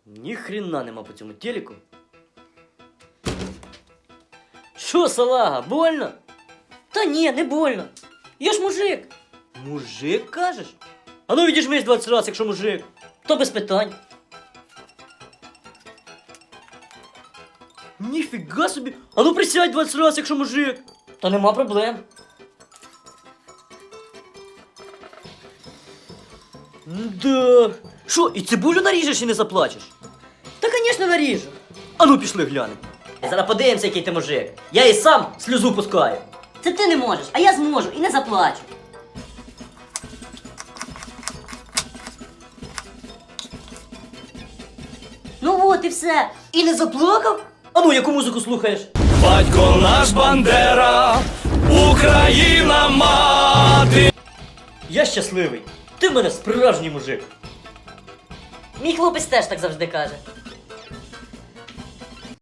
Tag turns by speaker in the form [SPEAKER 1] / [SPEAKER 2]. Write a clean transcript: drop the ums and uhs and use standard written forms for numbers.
[SPEAKER 1] Ні хрена нема по цьому телеку. Що, салага, больно?
[SPEAKER 2] Та ні, не больно. Я ж мужик.
[SPEAKER 1] Мужик, кажеш? А ну відіжмись 20 разів, якщо мужик.
[SPEAKER 2] То без питань.
[SPEAKER 1] Ніфіга собі. А ну присядь 20 разів, якщо мужик.
[SPEAKER 2] Та нема проблем.
[SPEAKER 1] Да. Що, і цибулю наріжеш і не заплачеш?
[SPEAKER 2] Та, звісно, наріжу.
[SPEAKER 1] А ну пішли глянемо.
[SPEAKER 2] Зараз подивимося, який ти мужик. Я і сам сльозу пускаю. Це ти не можеш, а я зможу і не заплачу. Ну от і все. І не заплакав?
[SPEAKER 1] А ну, яку музику слухаєш?
[SPEAKER 3] Батько наш Бандера, Україна мати.
[SPEAKER 1] Я щасливий. Ти в мене справжній мужик.
[SPEAKER 2] Мій хлопець теж так завжди каже.